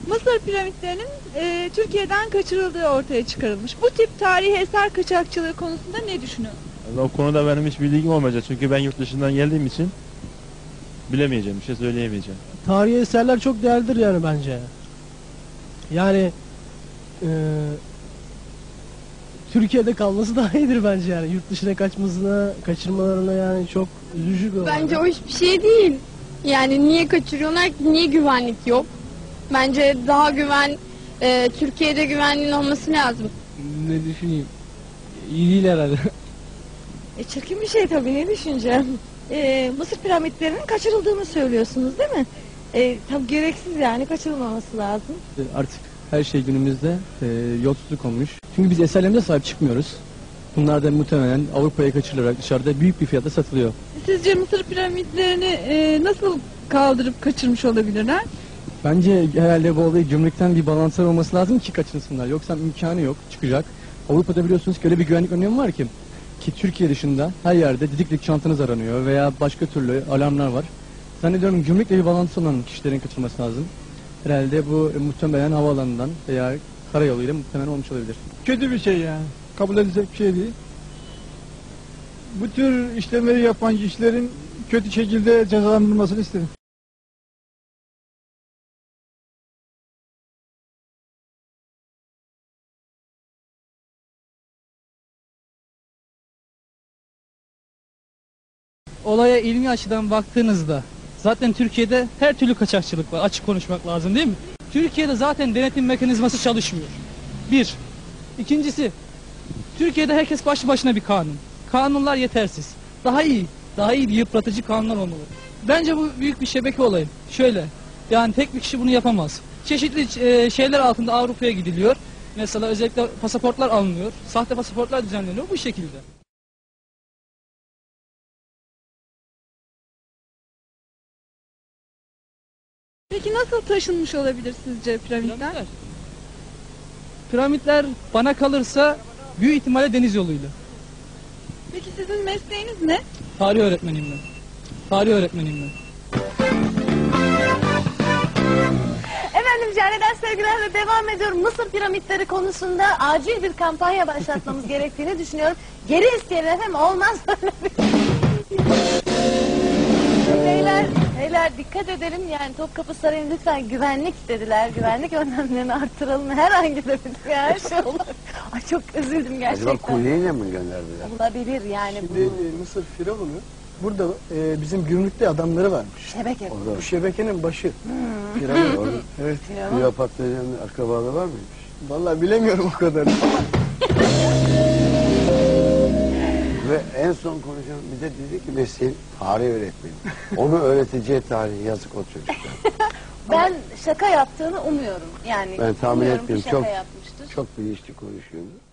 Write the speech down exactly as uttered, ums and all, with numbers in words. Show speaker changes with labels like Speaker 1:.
Speaker 1: Mısır piramitlerinin e, Türkiye'den kaçırıldığı ortaya çıkarılmış. Bu tip tarihi eser kaçakçılığı konusunda ne düşünüyorsunuz?
Speaker 2: O konuda benim hiç bilgim olmayacak çünkü ben yurt dışından geldiğim için bilemeyeceğim, bir şey söyleyemeyeceğim.
Speaker 3: Tarihi eserler çok değerlidir yani bence. Yani e, Türkiye'de kalması daha iyidir bence yani. Yurt dışına kaçmasına, kaçırmalarına yani çok üzücü bir olay.
Speaker 4: Bence o hiçbir şey değil. Yani niye kaçırıyorlar ki? Niye güvenlik yok? Bence daha güven, e, Türkiye'de güvenliğin olması lazım.
Speaker 3: Ne düşüneyim? İyi değil herhalde.
Speaker 5: E, çirkin bir şey tabii, ne düşüneceğim. E, Mısır piramitlerinin kaçırıldığını söylüyorsunuz değil mi? E, tabii gereksiz, yani kaçırılmaması lazım.
Speaker 6: Artık her şey günümüzde e, yolsuzluk olmuş. Çünkü biz eserlerimize sahip çıkmıyoruz. Bunlar da muhtemelen Avrupa'ya kaçırılarak dışarıda büyük bir fiyata satılıyor.
Speaker 1: Sizce Mısır piramitlerini e, nasıl kaldırıp kaçırmış olabilirler?
Speaker 6: Bence herhalde bu olayı gümrükten bir balanslar olması lazım ki kaçınsınlar. Yoksa imkanı yok, çıkacak. Avrupa'da biliyorsunuz ki öyle bir güvenlik önlemi var ki. Ki Türkiye dışında her yerde didiklik çantanız aranıyor veya başka türlü alarmlar var. Zannediyorum gümrükle bir bağlantısı olan kişilerin kaçırılması lazım. Herhalde bu e, muhtemelen havaalanından veya karayoluyla muhtemelen olmuş olabilir.
Speaker 7: Kötü bir şey yani. Kabul edilecek bir şey değil. Bu tür işlemleri yapan kişilerin kötü şekilde cezalandırılmasını isterim.
Speaker 8: Olaya ilmi açıdan baktığınızda zaten Türkiye'de her türlü kaçakçılık var. Açık konuşmak lazım değil mi? Türkiye'de zaten denetim mekanizması çalışmıyor. Bir. İkincisi, Türkiye'de herkes başlı başına bir kanun. Kanunlar yetersiz. Daha iyi, daha iyi bir yıpratıcı kanunlar olmalı. Bence bu büyük bir şebeke olayı. Şöyle, yani tek bir kişi bunu yapamaz. Çeşitli e, şeyler altında Avrupa'ya gidiliyor. Mesela özellikle pasaportlar alınıyor. Sahte pasaportlar düzenleniyor bu şekilde.
Speaker 1: Peki nasıl taşınmış olabilir sizce piramitler?
Speaker 8: Piramitler. Piramitler bana kalırsa büyük ihtimalle deniz yoluyla.
Speaker 1: Peki sizin mesleğiniz ne?
Speaker 8: Tarih öğretmeniyim ben. Tarih öğretmeniyim ben.
Speaker 5: Efendim, Cane'den sevgilerle devam ediyorum. Mısır piramitleri konusunda acil bir kampanya başlatmamız gerektiğini düşünüyorum. Geri isteyelim efendim, olmaz böyle bir Beyler, beyler dikkat edelim, yani Topkapı Sarayı'nın lütfen güvenlik dediler. Güvenlik önlemlerini artıralım. Herhangi bir her şey olur. Ay çok üzüldüm gerçekten.
Speaker 9: Acaba kuryeyle mi gönderdiler?
Speaker 5: Olabilir yani.
Speaker 3: Şimdi e, Mısır Firavunu burada e, bizim gümrükte adamları varmış.
Speaker 5: Şebeke.
Speaker 3: Bu şebekenin başı.
Speaker 5: Hmm.
Speaker 9: Firavun orada.
Speaker 3: Evet.
Speaker 9: Kleopatra'nın akrabalığı var mıymış?
Speaker 3: Vallahi bilemiyorum o kadar.
Speaker 9: Ve en son konuşan bir de dedi ki mesleğin tarih öğretmeni. Onu öğreteceği tarihi yazık o çocuklar.
Speaker 5: Ben şaka yaptığını umuyorum. Yani
Speaker 9: Ben tahmin
Speaker 5: umuyorum ki
Speaker 9: etmiyorum.
Speaker 5: şaka
Speaker 9: Çok,
Speaker 5: yapmıştır.
Speaker 9: çok bilinçli konuşuyordu.